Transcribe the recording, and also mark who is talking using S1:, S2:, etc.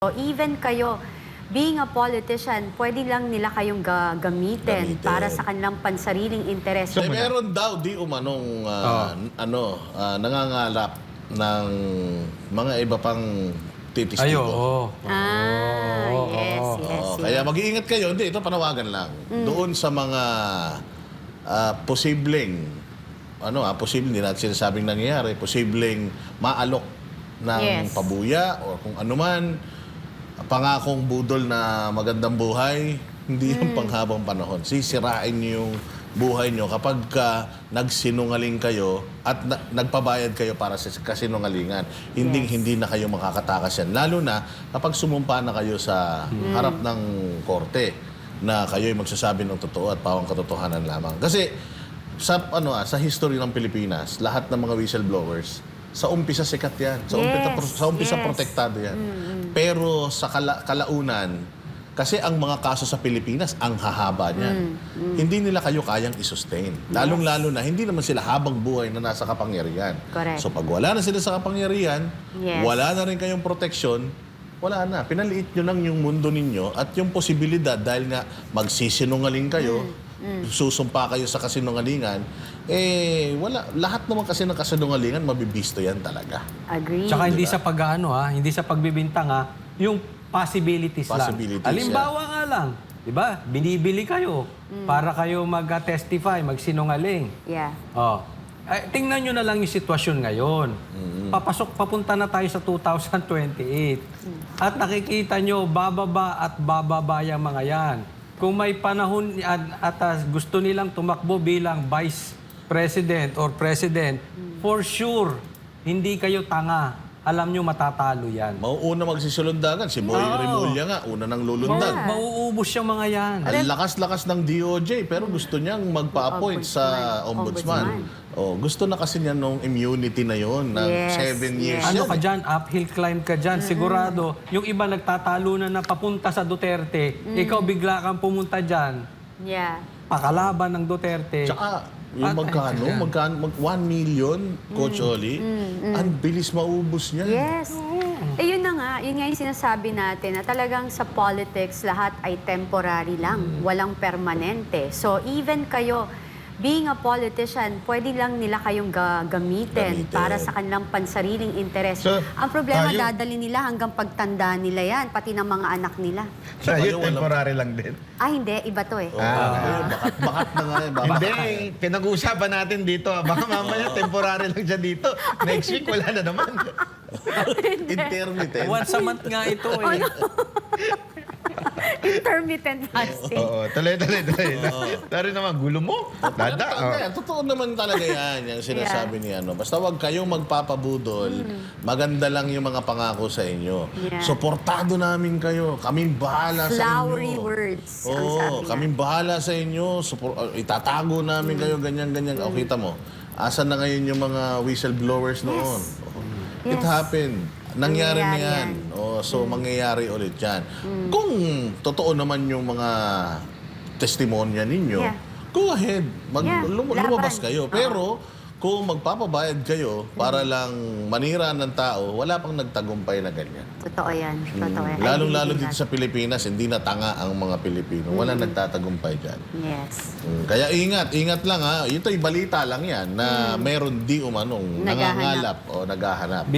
S1: So even kayo, being a politician, pwede lang nila kayong gamitin para sa kanilang pansariling interes.
S2: So, meron daw di umanong nangangalap ng mga iba pang titistigo.
S1: Yes.
S2: Kaya mag-iingat kayo. Hindi, ito panawagan lang. Doon sa mga posibleng, posibleng, hindi natin sinasabing nangyayari, posibleng maalok ng pabuya o kung anuman, pangakong budol na magandang buhay, hindi yung panghabang panahon. Sisirain niyo yung buhay niyo kapag nagsinungaling kayo at nagpabayad kayo para sa kasinungalingan. Hindi na kayo makakatakas yan. Lalo na kapag sumumpa na kayo sa harap ng korte na kayo'y magsasabi ng totoo at pawang katotohanan lamang. Kasi sa history ng Pilipinas, lahat ng mga whistleblowers, sa umpisa sikat yan. Sa umpisa protektado yan. Pero sa kalaunan, kasi ang mga kaso sa Pilipinas, ang hahaba niyan. Hindi nila kayo kayang i-sustain. Lalong-lalo na, hindi naman sila habang buhay na nasa kapangyarihan.
S1: Correct.
S2: So pag wala na sila sa kapangyarihan, wala na rin kayong proteksyon, wala na. Pinaliit nyo lang yung mundo ninyo at yung posibilidad dahil nga magsisinungaling kayo, susumpa kayo sa kasinungalingan, wala. Lahat naman kasi ng kasinungalingan, mabibisto yan talaga.
S1: Agree.
S3: Tsaka hindi sa hindi sa pagbibintang yung possibilities lang. Halimbawa nga lang, di ba? Binibili kayo para kayo mag-testify, magsinungaling.
S1: Yeah.
S3: Tingnan nyo na lang yung sitwasyon ngayon. Papunta na tayo sa 2028. At nakikita nyo, bababa at bababa yung mga yan. Kung may panahon at gusto nilang tumakbo bilang vice president or president, for sure, hindi kayo tanga. Alam nyo, matatalo yan.
S2: Mauuna magsisulundagan. Si Boy Rimulya nga, una nang lulundag.
S3: Mauubos yung mga yan.
S2: Ang lakas-lakas ng DOJ, pero gusto niyang magpa-appoint sa ombudsman. Gusto na kasi niya nung immunity na yon ng 7 years.
S3: Ano ka dyan? Uphill climb ka dyan. Sigurado, yung iba nagtatalo na papunta sa Duterte, ikaw bigla kang pumunta dyan.
S1: Yeah.
S3: Pakalaban ng Duterte.
S2: Tsaka, yung magkano, 1 million, Coach Oli, ang bilis maubos niya.
S1: Yes. Yun na nga, yun nga yung sinasabi natin na talagang sa politics, lahat ay temporary lang, walang permanente. So even kayo, being a politician, pwede lang nila kayong gamitin para sa kanilang pansariling interes.
S4: So,
S1: ang problema, dadali nila hanggang pagtanda nila yan, pati ng mga anak nila.
S4: So, yun, temporary lang din.
S1: Hindi, iba to eh.
S2: Bakat na nga eh.
S4: Hindi, pinag-uusapan natin dito. Baka mamaya temporary lang siya dito. Next week, wala na naman.
S2: Intermittent.
S3: Once a month nga ito eh.
S1: Intermittent fasting.
S4: Oo, tuloy. Pero naman, gulo mo.
S2: Totoo naman talaga yan, yung sinasabi ni ano. Basta wag kayong magpapabudol, maganda lang yung mga pangako sa inyo. Suportado namin kayo. Kaming bahala sa inyo.
S1: Flowery words. ang sabi niya.
S2: Kaming bahala sa inyo. Itatago namin kayo, ganyan. O, kita mo, asan na ngayon yung mga whistleblowers noon? It happened. Nangyari na yan. So, mangyayari ulit yan. Kung totoo naman yung mga testimonya ninyo, go ahead. Lumabas kayo. Pero, kung magpapabayad kayo para lang manira ng tao, wala pang nagtagumpay na ganyan.
S1: Totoo yan. Totoo yan.
S2: Lalong-lalo dito sa Pilipinas, hindi na tanga ang mga Pilipino. Wala nagtatagumpay dyan.
S1: Yes.
S2: Kaya ingat lang ha. Ito'y balita lang yan na meron di umanong nangangalap o naghahanap.